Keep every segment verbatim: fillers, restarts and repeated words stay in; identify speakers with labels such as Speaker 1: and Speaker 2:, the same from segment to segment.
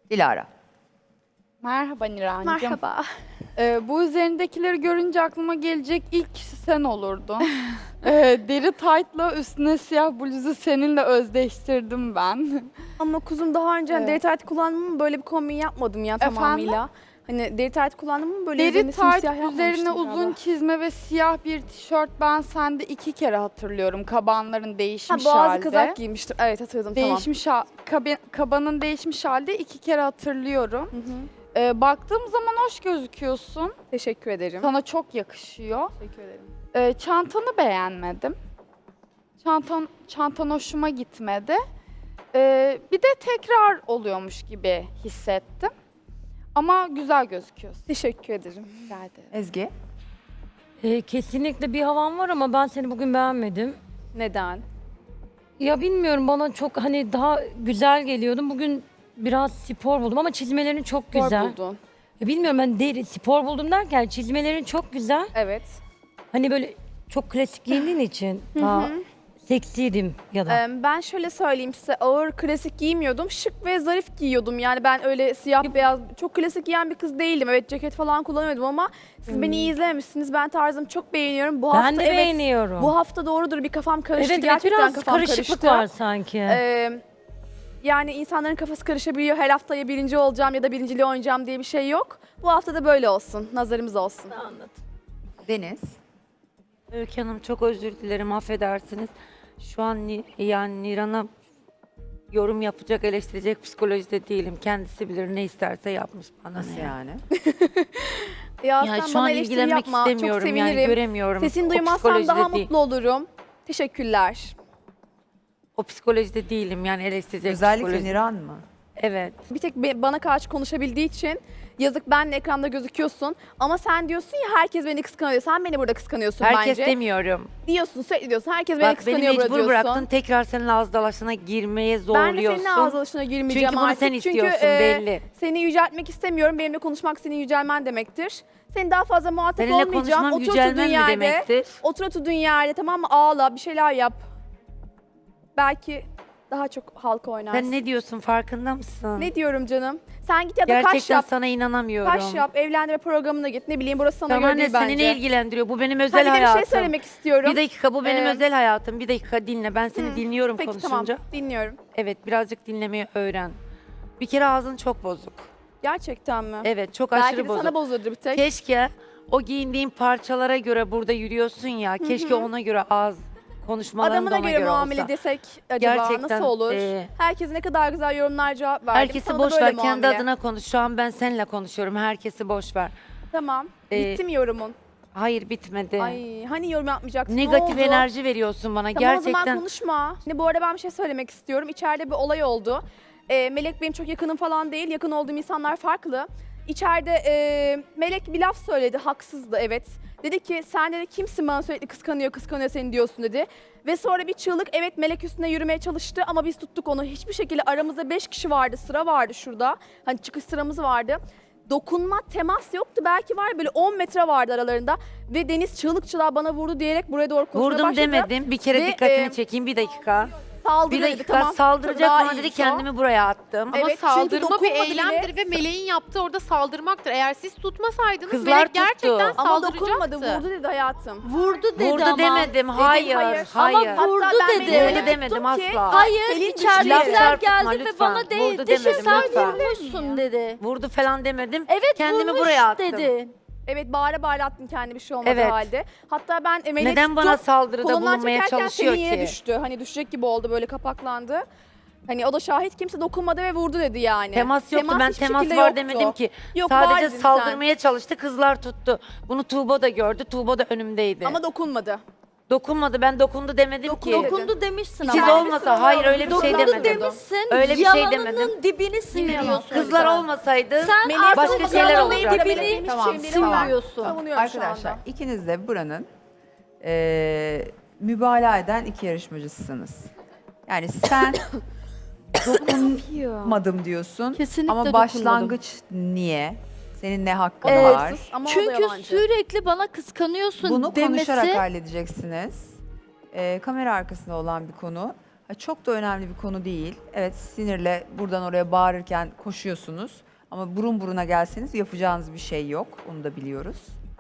Speaker 1: Dilara.
Speaker 2: Merhaba Nirancığım.
Speaker 3: Merhaba.
Speaker 2: Ee, bu üzerindekileri görünce aklıma gelecek ilk kişi sen olurdun. Ee, deri taytla üstüne siyah bluzu seninle özdeştirdim ben.
Speaker 3: Ama kuzum daha önce hani
Speaker 2: Evet.
Speaker 3: deri tayt kullandım ama böyle bir kombin yapmadım ya
Speaker 2: Efendim?
Speaker 3: tamamıyla. Hani deri tayt kullandım ama böyle
Speaker 2: Deri
Speaker 3: üzerine
Speaker 2: tayt
Speaker 3: simsiyah
Speaker 2: üzerine
Speaker 3: yapmamıştım
Speaker 2: uzun
Speaker 3: galiba.
Speaker 2: çizme ve siyah bir tişört ben sende iki kere hatırlıyorum. Kabanların
Speaker 3: Ha,
Speaker 2: değişmiş
Speaker 3: boğazlı
Speaker 2: halde.
Speaker 3: kazak giymiştim. Evet hatırladım tamam.
Speaker 2: Değişmiş ha- kabe- kabanın değişmiş halde iki kere hatırlıyorum.
Speaker 3: Hı hı.
Speaker 2: Ee, baktığım zaman hoş gözüküyorsun.
Speaker 3: Teşekkür ederim.
Speaker 2: Sana çok yakışıyor.
Speaker 3: Teşekkür ederim.
Speaker 2: Ee, çantanı beğenmedim. Çantan, çantan hoşuma gitmedi. Ee, bir de tekrar oluyormuş gibi hissettim. Ama güzel gözüküyorsun.
Speaker 3: Teşekkür ederim.
Speaker 2: Rica ederim.
Speaker 1: Ezgi.
Speaker 4: Ee, kesinlikle bir havan var ama ben seni bugün beğenmedim.
Speaker 3: Neden?
Speaker 4: Ya bilmiyorum, bana çok hani daha güzel geliyordun. Bugün biraz spor buldum ama çizmelerin çok
Speaker 3: Spor
Speaker 4: güzel.
Speaker 3: buldun.
Speaker 4: Ya bilmiyorum, ben deri spor buldum derken çizmelerin çok güzel.
Speaker 3: Evet.
Speaker 4: Hani böyle çok klasik giyindiğin için daha seksiydim ya da.
Speaker 3: Ee, ben şöyle söyleyeyim size, ağır klasik giymiyordum. Şık ve zarif giyiyordum. Yani ben öyle siyah beyaz çok klasik giyen bir kız değildim. Evet ceket falan kullanıyordum ama siz beni iyi izlememişsiniz. Ben tarzımı çok beğeniyorum. Bu
Speaker 4: ben
Speaker 3: hafta
Speaker 4: de
Speaker 3: evet,
Speaker 4: beğeniyorum.
Speaker 3: bu hafta doğrudur bir kafam karıştı.
Speaker 4: evet, evet
Speaker 3: Gerçekten
Speaker 4: biraz
Speaker 3: kafam
Speaker 4: karışıklık
Speaker 3: karıştı.
Speaker 4: var sanki.
Speaker 3: Ee, yani insanların kafası karışabiliyor. Her hafta ya birinci olacağım ya da birinciliği oynayacağım diye bir şey yok. Bu hafta da böyle olsun. Nazarımız olsun.
Speaker 4: Anladım.
Speaker 1: Deniz.
Speaker 5: Öykü Hanım çok özür dilerim, affedersiniz. Şu an Ni- yani Niran'a yorum yapacak, eleştirecek psikolojide değilim. Kendisi bilir, ne isterse yapmış bana.
Speaker 1: Nasıl
Speaker 5: ne.
Speaker 1: yani?
Speaker 3: Ya
Speaker 5: Yani
Speaker 3: sen
Speaker 5: şu
Speaker 3: bana
Speaker 5: an
Speaker 3: eleştiri
Speaker 5: ilgilenmek
Speaker 3: yapma. Çok
Speaker 5: istemiyorum, yani
Speaker 3: sevinirim.
Speaker 5: göremiyorum.
Speaker 3: Sesini
Speaker 5: O
Speaker 3: duymazsam
Speaker 5: psikolojide
Speaker 3: daha
Speaker 5: değil.
Speaker 3: mutlu olurum. Teşekkürler.
Speaker 5: O psikolojide değilim, yani eleştirecek
Speaker 1: Özellikle
Speaker 5: psikoloji.
Speaker 1: Niran mı?
Speaker 5: Evet.
Speaker 3: Bir tek be- bana karşı konuşabildiği için yazık, benle ekranda gözüküyorsun ama sen diyorsun ya herkes beni kıskanıyor. Sen beni burada kıskanıyorsun
Speaker 5: Herkes
Speaker 3: bence.
Speaker 5: demiyorum.
Speaker 3: Diyorsun, sürekli diyorsun. Herkes beni
Speaker 5: Bak beni
Speaker 3: kıskanıyor burada
Speaker 5: mecbur
Speaker 3: diyorsun.
Speaker 5: bıraktın, tekrar senin ağız dalaşına girmeye
Speaker 3: Ben de
Speaker 5: zorluyorsun.
Speaker 3: senin ağız alışına girmeyeceğim
Speaker 5: Çünkü bunu
Speaker 3: artık.
Speaker 5: sen istiyorsun,
Speaker 3: Çünkü, e,
Speaker 5: belli.
Speaker 3: seni yüceltmek istemiyorum. Benimle konuşmak senin yücelmen demektir. Senin daha fazla muhatap
Speaker 5: Seninle
Speaker 3: olmayacağım.
Speaker 5: konuşmam
Speaker 3: Otur
Speaker 5: yücelmen
Speaker 3: oturduğun
Speaker 5: mi
Speaker 3: yerde.
Speaker 5: demektir?
Speaker 3: Otur oturduğun yerde, tamam mı? Ağla, bir şeyler yap. Belki daha çok halka oynarsın.
Speaker 5: Sen ne diyorsun, farkında mısın?
Speaker 3: Ne diyorum canım? Sen git ya da kaş
Speaker 5: Gerçekten
Speaker 3: yap.
Speaker 5: sana inanamıyorum.
Speaker 3: Kaş yap, evlendirme programına git. Ne bileyim, burası sana
Speaker 5: Tamam
Speaker 3: göre
Speaker 5: anne,
Speaker 3: değil
Speaker 5: seni
Speaker 3: bence.
Speaker 5: ne ilgilendiriyor? Bu benim
Speaker 3: Ha,
Speaker 5: özel
Speaker 3: bir de bir
Speaker 5: hayatım.
Speaker 3: şey söylemek istiyorum.
Speaker 5: Bir dakika, bu benim
Speaker 3: Ee,
Speaker 5: özel hayatım. Bir dakika dinle. Ben seni
Speaker 3: Hı,
Speaker 5: dinliyorum
Speaker 3: Peki
Speaker 5: konuşunca.
Speaker 3: tamam, dinliyorum.
Speaker 5: Evet, birazcık dinlemeyi öğren. Bir kere ağzın çok bozuk.
Speaker 3: Gerçekten mi?
Speaker 5: Evet, çok
Speaker 3: Belki
Speaker 5: aşırı
Speaker 3: de
Speaker 5: bozuk.
Speaker 3: sana bozulur bir tek.
Speaker 5: Keşke o giyindiğin parçalara göre burada yürüyorsun ya. Keşke ona göre ağız konuşmaların
Speaker 3: Adamına
Speaker 5: da ona
Speaker 3: göre,
Speaker 5: göre
Speaker 3: muamele
Speaker 5: olsa.
Speaker 3: desek acaba
Speaker 5: Gerçekten,
Speaker 3: nasıl olur?
Speaker 5: e,
Speaker 3: Herkes ne kadar güzel yorumlar cevap verdi.
Speaker 5: Herkesi
Speaker 3: Sana da
Speaker 5: boş
Speaker 3: böyle
Speaker 5: ver. Kendi
Speaker 3: muamele.
Speaker 5: adına konuş. Şu an ben seninle konuşuyorum. Herkesi boş ver.
Speaker 3: Tamam.
Speaker 5: Ee,
Speaker 3: Bitti mi yorumun?
Speaker 5: Hayır, bitmedi.
Speaker 3: Ay hani yorum yapmayacaktın?
Speaker 5: Negatif
Speaker 3: ne oldu?
Speaker 5: enerji veriyorsun bana.
Speaker 3: Tamam, o zaman
Speaker 5: Gerçekten.
Speaker 3: konuşma. Şimdi bu arada ben bir şey söylemek istiyorum. İçeride bir olay oldu. Ee, Melek benim çok yakınım falan değil. Yakın olduğum insanlar farklı. İçeride e, Melek bir laf söyledi. Haksızdı, evet. Dedi ki sen dedi kimsin, bana sürekli kıskanıyor kıskanıyor seni diyorsun dedi. Ve sonra bir çığlık, evet Melek üstüne yürümeye çalıştı ama biz tuttuk onu. Hiçbir şekilde, aramızda beş kişi vardı, sıra vardı şurada. Hani çıkış sıramız vardı. Dokunma, temas yoktu. Belki var böyle on metre vardı aralarında. Ve Deniz çığlık çığlığa bana vurdu diyerek buraya doğru koşmaya
Speaker 5: Vurdum
Speaker 3: başladı.
Speaker 5: demedim. Bir kere
Speaker 3: Ve,
Speaker 5: dikkatini
Speaker 3: e,
Speaker 5: çekeyim. Bir dakika.
Speaker 3: Saldırı
Speaker 5: Bir
Speaker 3: dedi,
Speaker 5: dakika,
Speaker 3: tamam.
Speaker 5: saldıracak
Speaker 3: Daha
Speaker 5: bana dedi,
Speaker 3: iyiymiş o.
Speaker 5: kendimi buraya attım.
Speaker 3: Evet,
Speaker 6: Ama
Speaker 3: çünkü
Speaker 6: saldırma bir
Speaker 3: dokunmadı
Speaker 6: eylemdir
Speaker 3: bile.
Speaker 6: ve Meleğin yaptığı orada saldırmaktır. Eğer siz tutmasaydınız
Speaker 5: Kızlar
Speaker 6: Melek
Speaker 5: tuttu.
Speaker 6: gerçekten
Speaker 3: Ama
Speaker 6: saldıracaktı.
Speaker 3: dokunmadı, vurdu dedi hayatım.
Speaker 7: Vurdu dedi
Speaker 5: Vurdu
Speaker 7: ama.
Speaker 5: demedim. Hayır.
Speaker 3: hayır.
Speaker 5: Hayır.
Speaker 7: Ama vurdu
Speaker 3: Hatta ben
Speaker 7: dedi.
Speaker 3: Melek'e
Speaker 5: Vurdu
Speaker 3: tuttum
Speaker 5: demedim
Speaker 3: ki,
Speaker 5: asla.
Speaker 7: Hayır,
Speaker 3: Selin
Speaker 5: Laf
Speaker 7: içeridekiler
Speaker 5: çarpıtma
Speaker 7: geldi ve
Speaker 5: lütfen.
Speaker 7: bana
Speaker 5: Vurdu
Speaker 7: değdi.
Speaker 5: demedim
Speaker 7: Sen
Speaker 5: lütfen.
Speaker 7: vurmuşsun dedi.
Speaker 5: Vurdu falan demedim.
Speaker 7: Evet,
Speaker 5: Kendimi
Speaker 7: vurmuş
Speaker 5: buraya attım.
Speaker 7: dedi.
Speaker 3: Evet, bağıra bağıra attın kendi, bir şey olmadı
Speaker 5: Evet.
Speaker 3: halde. Hatta ben Melek'i
Speaker 5: Neden bana saldırıda
Speaker 3: kolundan
Speaker 5: bulunmaya
Speaker 3: çekerken
Speaker 5: çalışıyor
Speaker 3: Selin yere
Speaker 5: ki?
Speaker 3: düştü. Hani düşecek gibi oldu, böyle kapaklandı. Hani o da şahit, kimse dokunmadı ve vurdu dedi yani.
Speaker 5: Temas yoktu. Ben
Speaker 3: hiçbir
Speaker 5: temas
Speaker 3: şekilde
Speaker 5: var
Speaker 3: yoktu.
Speaker 5: demedim ki.
Speaker 3: Yok, var
Speaker 5: Sadece
Speaker 3: dedin sen.
Speaker 5: saldırmaya çalıştı. Kızlar tuttu. Bunu Tuğba da gördü. Tuğba da önümdeydi.
Speaker 3: Ama dokunmadı.
Speaker 5: Dokunmadı. Ben dokundu demedim
Speaker 3: Dokundu
Speaker 5: ki.
Speaker 3: dedi.
Speaker 7: Dokundu demişsin
Speaker 5: Siz
Speaker 7: ama.
Speaker 5: olmasa hayır öyle bir şey
Speaker 7: Dokundu
Speaker 5: demedim.
Speaker 7: demişsin.
Speaker 5: Öyle bir şey
Speaker 7: yalanının
Speaker 5: demedim.
Speaker 7: dibini sıyırıyorsun.
Speaker 5: Kızlar olmasaydı
Speaker 7: Sen
Speaker 3: Melek
Speaker 7: artık
Speaker 5: başka şeyler
Speaker 7: yalanın
Speaker 5: olacaktı.
Speaker 7: dibini
Speaker 1: Tamam,
Speaker 7: sıyırıyorsun.
Speaker 3: Savunuyorum şu
Speaker 1: Arkadaşlar
Speaker 3: anda.
Speaker 1: ikiniz de buranın eee mübalağa eden iki yarışmacısınız. Yani sen dokunmadım diyorsun
Speaker 7: Kesinlikle
Speaker 1: ama
Speaker 7: dokunmadım.
Speaker 1: başlangıç niye? Senin ne hakkın
Speaker 3: O da
Speaker 1: var?
Speaker 3: haksız ama o da
Speaker 7: Çünkü
Speaker 3: yalancı.
Speaker 7: sürekli bana kıskanıyorsun
Speaker 1: Bunu
Speaker 7: demesi.
Speaker 1: konuşarak halledeceksiniz. Eee, kamera arkasında olan bir konu. Ha, çok da önemli bir konu değil. Evet, sinirle buradan oraya bağırırken koşuyorsunuz. Ama burun buruna gelseniz yapacağınız bir şey yok. Onu da biliyoruz.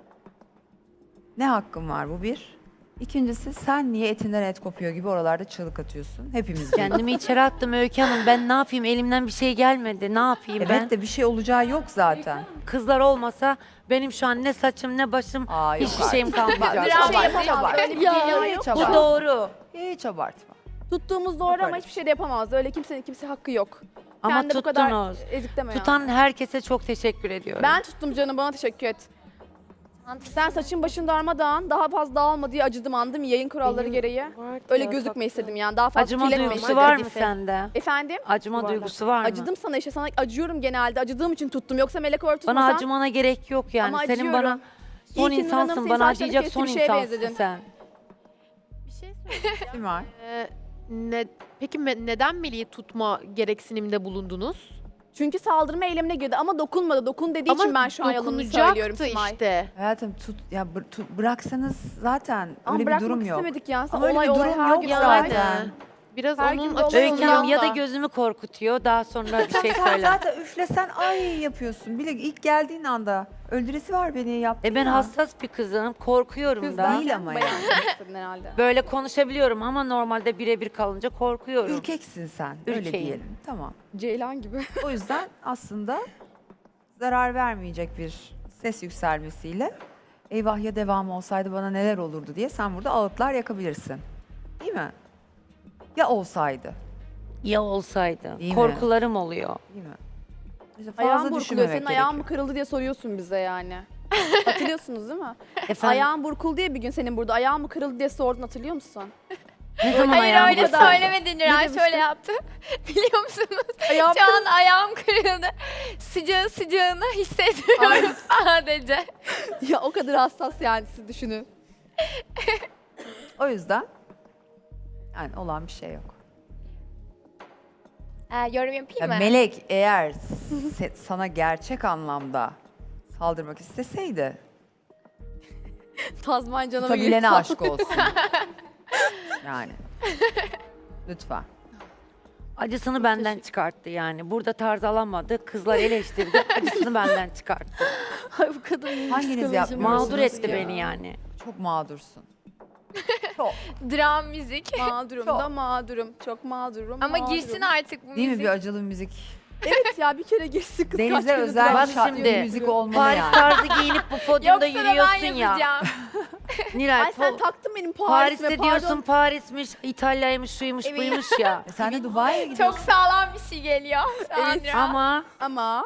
Speaker 1: Ne hakkın var, bu bir. İkincisi, sen niye etinden et kopuyor gibi oralarda çığlık atıyorsun. Hepimiz biliyoruz.
Speaker 5: Kendimi içeri attım Öykü Hanım. Ben ne yapayım? Elimden bir şey gelmedi. Ne yapayım
Speaker 1: Evet
Speaker 5: ben?
Speaker 1: de bir şey olacağı yok zaten.
Speaker 5: Kızlar olmasa benim şu an ne saçım ne başım
Speaker 1: Aa, yok
Speaker 5: hiçbir şeyim
Speaker 1: artık.
Speaker 5: kalmayacak.
Speaker 1: Hiç
Speaker 3: Hiçbir şey
Speaker 1: abartma,
Speaker 3: yapamaz.
Speaker 1: hiç
Speaker 3: Öyle bir
Speaker 1: abartma.
Speaker 3: dünya
Speaker 1: Hiç
Speaker 3: yok.
Speaker 5: Bu
Speaker 1: abartma.
Speaker 5: doğru.
Speaker 1: Hiç abartma.
Speaker 3: Tuttuğumuz doğru ama hiçbir şey de yapamaz. Öyle kimsenin kimse hakkı yok.
Speaker 5: Ama
Speaker 3: Kendi bu kadar
Speaker 5: tuttunuz.
Speaker 3: ezikleme ya.
Speaker 5: Tutan herkese çok teşekkür ediyorum.
Speaker 3: Ben tuttum canım, bana teşekkür et. Sen saçın başın darmadağın, daha fazla dağılma diye acıdım, anladın mı? Yayın kuralları gereği. Öyle gözükme istedim yani, daha fazla
Speaker 5: Acıma
Speaker 3: kirletme
Speaker 5: duygusu
Speaker 3: istedim.
Speaker 5: var mı sende?
Speaker 3: Efendim?
Speaker 5: Acıma duygusu var mı?
Speaker 3: Acıdım sana işte, sana acıyorum genelde. Acıdığım için tuttum. Yoksa Melek Or
Speaker 5: Bana
Speaker 3: tutmasan...
Speaker 5: acımana gerek yok yani.
Speaker 3: Ama
Speaker 5: Senin
Speaker 3: acıyorum.
Speaker 5: bana son
Speaker 3: İyi ki Nurhan'ın
Speaker 5: insansın.
Speaker 3: senin
Speaker 5: Bana
Speaker 3: saçlarını
Speaker 5: acıyacak
Speaker 3: kesti,
Speaker 5: son
Speaker 3: bir şeye
Speaker 5: insansın
Speaker 3: benzedin.
Speaker 5: sen.
Speaker 6: Bir şey söyleyeceğim.
Speaker 1: Kim var?
Speaker 6: Ee, ne, peki me- neden Melih'i tutma gereksinimde bulundunuz?
Speaker 3: Çünkü saldırma eylemine girdi ama dokunmadı. Dokun dediği için ben şu an yalanını
Speaker 6: dokunacaktı
Speaker 3: söylüyorum Simay.
Speaker 6: işte.
Speaker 1: Hayatım tut ya bır- tut- bıraksanız zaten
Speaker 3: Ama
Speaker 1: öyle bir
Speaker 3: bırakmak
Speaker 1: durum yok.
Speaker 3: istemedik ya.
Speaker 1: Ama öyle
Speaker 3: olay
Speaker 1: bir
Speaker 3: olay
Speaker 1: durum
Speaker 3: her
Speaker 1: yok
Speaker 3: gün
Speaker 1: zaten.
Speaker 3: olay.
Speaker 6: Yani. Biraz
Speaker 3: Her
Speaker 6: onun
Speaker 3: gün de olay
Speaker 6: açısından
Speaker 5: Öykü Hanım ya da
Speaker 6: da.
Speaker 5: gözümü korkutuyor. Daha sonra bir şey
Speaker 1: Sen
Speaker 5: söyler.
Speaker 1: zaten üflesen ay yapıyorsun. Bile ilk geldiğin anda öldüresi var beni yaptın
Speaker 5: E ben
Speaker 1: ya.
Speaker 5: hassas bir kızım. Korkuyorum
Speaker 3: Kız
Speaker 5: da.
Speaker 1: değil ama yani.
Speaker 3: Bayağı istedin herhalde.
Speaker 5: Böyle konuşabiliyorum ama normalde birebir kalınca korkuyorum.
Speaker 1: Ürkeksin sen. Öyle
Speaker 5: Ürkeğim.
Speaker 1: diyelim. Tamam.
Speaker 3: Ceylan gibi.
Speaker 1: O yüzden aslında zarar vermeyecek bir ses yükselmesiyle eyvah ya devamı olsaydı bana neler olurdu diye sen burada ağıtlar yakabilirsin. Değil mi? Ya olsaydı.
Speaker 5: Ya olsaydı.
Speaker 1: Değil mi?
Speaker 5: Korkularım oluyor.
Speaker 1: Değil mi? İşte fazla
Speaker 3: Ayağın burkuluyor.
Speaker 1: düşünmemek
Speaker 3: Senin
Speaker 1: gerekiyor.
Speaker 3: ayağın mı kırıldı diye soruyorsun bize yani. Hatırlıyorsunuz değil mi?
Speaker 5: Efendim
Speaker 3: Ayağın burkuldu diye bir gün senin burada. Ayağın mı kırıldı diye sordun, hatırlıyor musun?
Speaker 5: ne zaman
Speaker 8: Hayır
Speaker 5: ayağım
Speaker 8: öyle
Speaker 5: kırıldı?
Speaker 8: söylemedi Nurhan,
Speaker 3: demiştin?
Speaker 8: şöyle yaptı. Biliyor musunuz?
Speaker 3: Ayağım
Speaker 8: Şu an ayağım kırıldı. Sıcağı sıcağını hissediyorum sadece.
Speaker 3: Ya o kadar hassas yani, siz düşünün.
Speaker 1: O yüzden yani olan bir şey yok.
Speaker 8: Ee, yorum yapayım
Speaker 1: Ya
Speaker 8: mı?
Speaker 1: Melek eğer se- sana gerçek anlamda saldırmak isteseydi
Speaker 3: Tazman canıma
Speaker 1: tutabilene aşk olsun. Yani. Lütfen.
Speaker 5: Acısını benden çıkarttı yani. Burada tarz alamadı. Kızlar eleştirdi. Acısını benden çıkarttı.
Speaker 7: Ay bu kadın
Speaker 1: Hanginiz yapmıyorsunuz
Speaker 5: Mağdur etti
Speaker 1: ya?
Speaker 5: beni yani.
Speaker 1: Çok mağdursun. Çok.
Speaker 8: Dram müzik.
Speaker 3: Mağdurum
Speaker 1: Çok.
Speaker 3: da mağdurum. Çok mağdurum.
Speaker 8: Ama
Speaker 3: mağdurum.
Speaker 8: girsin artık bu
Speaker 1: Değil mi
Speaker 8: müzik.
Speaker 1: bir acılı müzik?
Speaker 3: Evet ya, bir kere girsin kız.
Speaker 1: Denize
Speaker 3: kaç gündür
Speaker 1: özel
Speaker 5: Bak
Speaker 1: bir
Speaker 3: dram
Speaker 1: şarkı
Speaker 5: şimdi,
Speaker 1: müzik olmalı
Speaker 5: Paris
Speaker 1: yani.
Speaker 5: tarzı giyinip bu podyumda
Speaker 8: Yoksa da ben
Speaker 5: yürüyorsun ya.
Speaker 8: yapacağım.
Speaker 5: Nilay,
Speaker 3: Ay sen
Speaker 5: po-
Speaker 3: taktın benim Paris'ime,
Speaker 5: Paris'te
Speaker 3: pardon.
Speaker 5: diyorsun Paris'miş, İtalya'ymış, şuymuş,
Speaker 8: Evet.
Speaker 5: buymuş ya.
Speaker 1: E sen de Dubai'ye gidiyorsun.
Speaker 8: Çok sağlam bir şey geliyor. Şu an
Speaker 3: Evet,
Speaker 8: Nurhan.
Speaker 5: Ama
Speaker 3: Ama...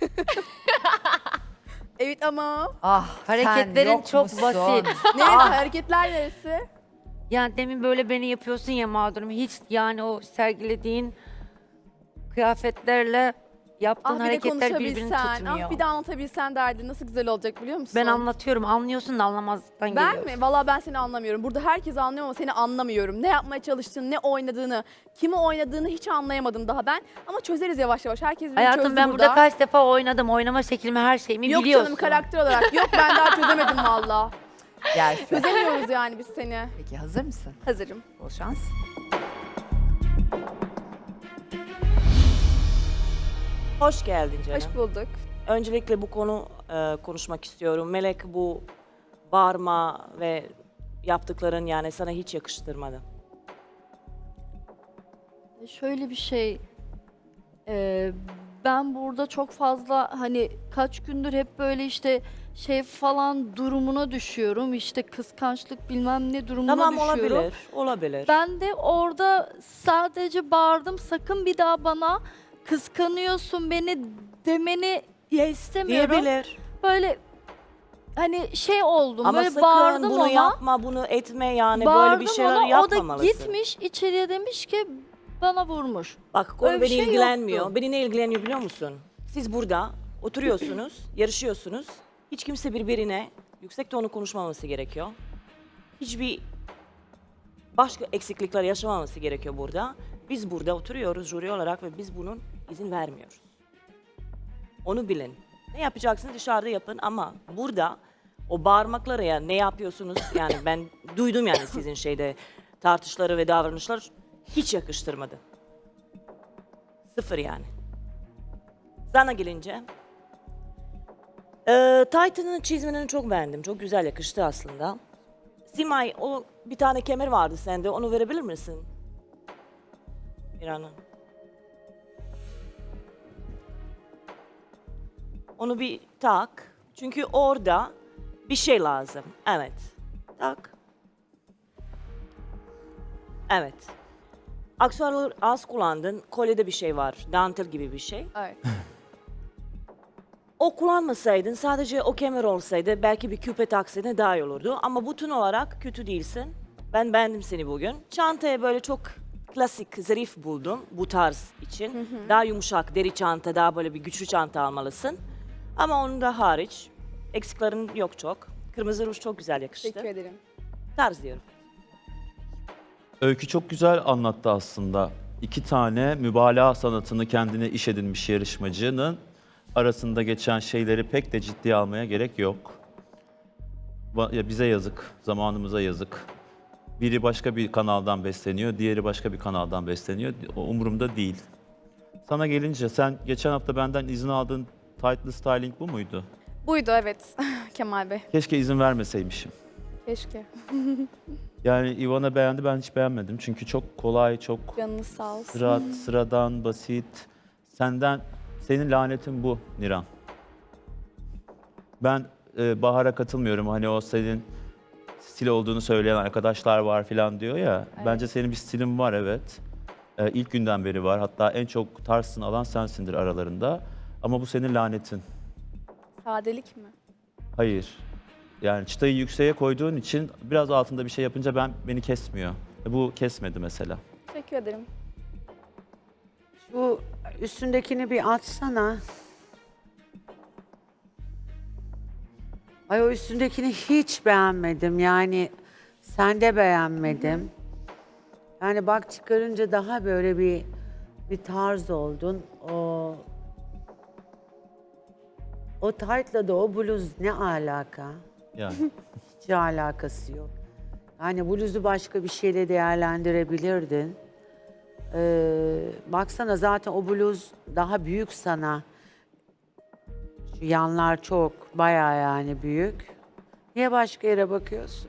Speaker 3: evet ama...
Speaker 1: Ah
Speaker 5: hareketlerin
Speaker 1: sen yok
Speaker 5: çok
Speaker 1: musun?
Speaker 5: basit.
Speaker 3: Neresi? Hareketler neresi?
Speaker 5: Yani demin böyle beni yapıyorsun ya mağdurum. Hiç yani o sergilediğin kıyafetlerle yaptığın
Speaker 3: Ah bir de
Speaker 5: hareketler birbirini
Speaker 3: konuşabilsen,
Speaker 5: tutmuyor.
Speaker 3: ah bir de anlatabilsen derdin nasıl güzel olacak biliyor musun?
Speaker 5: Ben anlatıyorum, anlıyorsun da anlamazdan
Speaker 3: Ben
Speaker 5: geliyorsun.
Speaker 3: mi? Valla ben seni anlamıyorum. Burada herkes anlıyor ama seni anlamıyorum. Ne yapmaya çalıştığını, ne oynadığını, kimi oynadığını hiç anlayamadım daha ben. Ama çözeriz yavaş yavaş. Herkes beni
Speaker 5: Hayatım
Speaker 3: çözdü
Speaker 5: ben
Speaker 3: burada.
Speaker 5: burada kaç defa oynadım. Oynama şeklimi, her şeyimi
Speaker 3: Yok
Speaker 5: biliyorsun.
Speaker 3: canım, karakter olarak. Yok, ben daha çözemedim valla.
Speaker 1: Gelsin.
Speaker 3: Çözemiyoruz yani biz seni.
Speaker 1: Peki hazır mısın?
Speaker 3: Hazırım.
Speaker 1: Bol şans.
Speaker 9: Hoş geldin canım.
Speaker 3: Hoş bulduk.
Speaker 9: Öncelikle bu konu e, konuşmak istiyorum. Melek, bu bağırma ve yaptıkların yani sana hiç yakıştırmadı.
Speaker 7: Şöyle bir şey, e, ben burada çok fazla hani kaç gündür hep böyle işte şey falan durumuna düşüyorum. İşte kıskançlık bilmem ne durumuna
Speaker 9: Tamam,
Speaker 7: düşüyorum.
Speaker 9: olabilir, olabilir.
Speaker 7: Ben de orada sadece bağırdım, sakın bir daha bana kıskanıyorsun beni demeni ya istemiyorum.
Speaker 9: Diyebilir.
Speaker 7: Böyle hani şey oldum,
Speaker 9: Ama
Speaker 7: böyle
Speaker 9: sakın
Speaker 7: bağırdım
Speaker 9: bunu
Speaker 7: ona.
Speaker 9: yapma, bunu etme yani
Speaker 7: bağırdım
Speaker 9: böyle bir şeyler
Speaker 7: ona,
Speaker 9: yapmamalısın.
Speaker 7: o da gitmiş içeriye demiş ki bana vurmuş.
Speaker 9: Bak, konu
Speaker 7: Öyle bir
Speaker 9: beni
Speaker 7: şey
Speaker 9: ilgilenmiyor.
Speaker 7: yoktu.
Speaker 9: Beni ne ilgileniyor biliyor musun? Siz burada oturuyorsunuz, yarışıyorsunuz. Hiç kimse birbirine yüksek tonu konuşmaması gerekiyor. Hiçbir başka eksiklikler yaşamaması gerekiyor burada. Biz burada oturuyoruz jüri olarak ve biz bunun izin vermiyoruz. Onu bilin. Ne yapacaksınız dışarıda yapın ama burada o bağırmaklara ya ne yapıyorsunuz yani ben duydum yani sizin şeyde tartışları ve davranışlar hiç yakıştırmadı. Sıfır yani. Sana gelince. Ee, Titan'ın çizmelerini çok beğendim. Çok güzel yakıştı aslında. Simay, o bir tane kemer vardı sende. Onu verebilir misin? Mirana. Onu bir tak. Çünkü orada bir şey lazım. Evet. Tak. Evet. Aksesuarları az kullandın. Kolyede bir şey var. Dantel gibi bir şey.
Speaker 3: Evet.
Speaker 9: O kullanmasaydın, sadece o kemer olsaydı belki bir küpe taksaydın daha iyi olurdu. Ama bütün olarak kötü değilsin. Ben beğendim seni bugün. Çantaya böyle çok klasik, zarif buldum bu tarz için. Daha yumuşak, deri çanta, daha böyle bir güçlü çanta almalısın. Ama onun da hariç eksiklerin yok çok. Kırmızı ruj çok güzel yakıştı.
Speaker 3: Teşekkür ederim.
Speaker 9: Tarz diyorum.
Speaker 10: Öykü çok güzel anlattı aslında. İki tane mübalağa sanatını kendine iş edinmiş yarışmacının arasında geçen şeyleri pek de ciddiye almaya gerek yok. Ba- ya bize yazık, zamanımıza yazık. Biri başka bir kanaldan besleniyor, diğeri başka bir kanaldan besleniyor. O umurumda değil. Sana gelince sen geçen hafta benden izin aldığın tightlı styling bu muydu?
Speaker 3: Buydu evet Kemal Bey.
Speaker 10: Keşke izin vermeseymişim.
Speaker 3: Keşke.
Speaker 10: Yani Ivana beğendi, ben hiç beğenmedim. Çünkü çok kolay, çok
Speaker 3: Canınız sağ olsun.
Speaker 10: sıra, sıradan, basit. Senden, senin lanetin bu Niran. Ben e, Bahar'a katılmıyorum. Hani o senin stil olduğunu söyleyen arkadaşlar var falan diyor ya.
Speaker 3: Evet.
Speaker 10: Bence senin bir stilin var, evet. E, ilk günden beri var. Hatta en çok tarzını alan sensindir aralarında. Ama bu senin lanetin.
Speaker 3: Sadelik mi?
Speaker 10: Hayır. Yani çıtayı yükseğe koyduğun için biraz altında bir şey yapınca ben beni kesmiyor. E, bu kesmedi mesela.
Speaker 3: Teşekkür ederim.
Speaker 11: Bu üstündekini bir açsana. Ay o üstündekini hiç beğenmedim. Yani sen de beğenmedim. Yani bak çıkarınca daha böyle bir bir tarz oldun. O o tight'la da o bluz ne alaka?
Speaker 10: Yani.
Speaker 11: Hiç alakası yok. Yani bluzu başka bir şeyle değerlendirebilirdin. Ee, baksana zaten o bluz daha büyük sana. Şu yanlar çok, bayağı yani büyük. Niye başka yere bakıyorsun?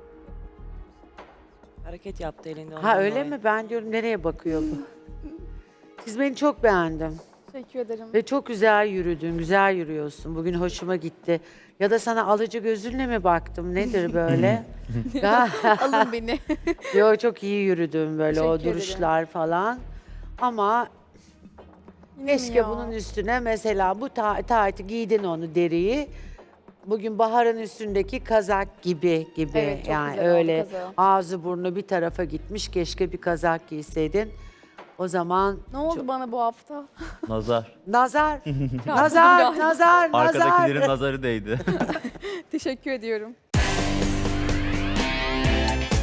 Speaker 9: Hareket yaptı elinde.
Speaker 11: Ha
Speaker 9: ondan
Speaker 11: öyle
Speaker 9: dolayı.
Speaker 11: mi? Ben diyorum nereye bakıyor bu? Çizmeni çok beğendim.
Speaker 3: Teşekkür ederim.
Speaker 11: Ve çok güzel yürüdün, güzel yürüyorsun. Bugün hoşuma gitti. Ya da sana alıcı gözünle mi baktım? Nedir böyle?
Speaker 3: Alın beni.
Speaker 11: Yo çok iyi yürüdün böyle o
Speaker 3: Teşekkür ederim.
Speaker 11: duruşlar falan. Ama
Speaker 3: Yine mi
Speaker 11: keşke
Speaker 3: ya?
Speaker 11: bunun üstüne mesela bu ta taytı giydin onu deriyi. Bugün Bahar'ın üstündeki kazak gibi gibi
Speaker 3: Evet, çok
Speaker 11: yani
Speaker 3: güzel oldu
Speaker 11: öyle
Speaker 3: kazağı.
Speaker 11: ağzı burnu bir tarafa gitmiş. Keşke bir kazak giyseydin. O zaman
Speaker 3: Ne oldu bana bu hafta?
Speaker 10: Nazar.
Speaker 11: nazar, nazar, nazar, nazar.
Speaker 10: Arkadakilerin nazarı değdi.
Speaker 3: Teşekkür ediyorum.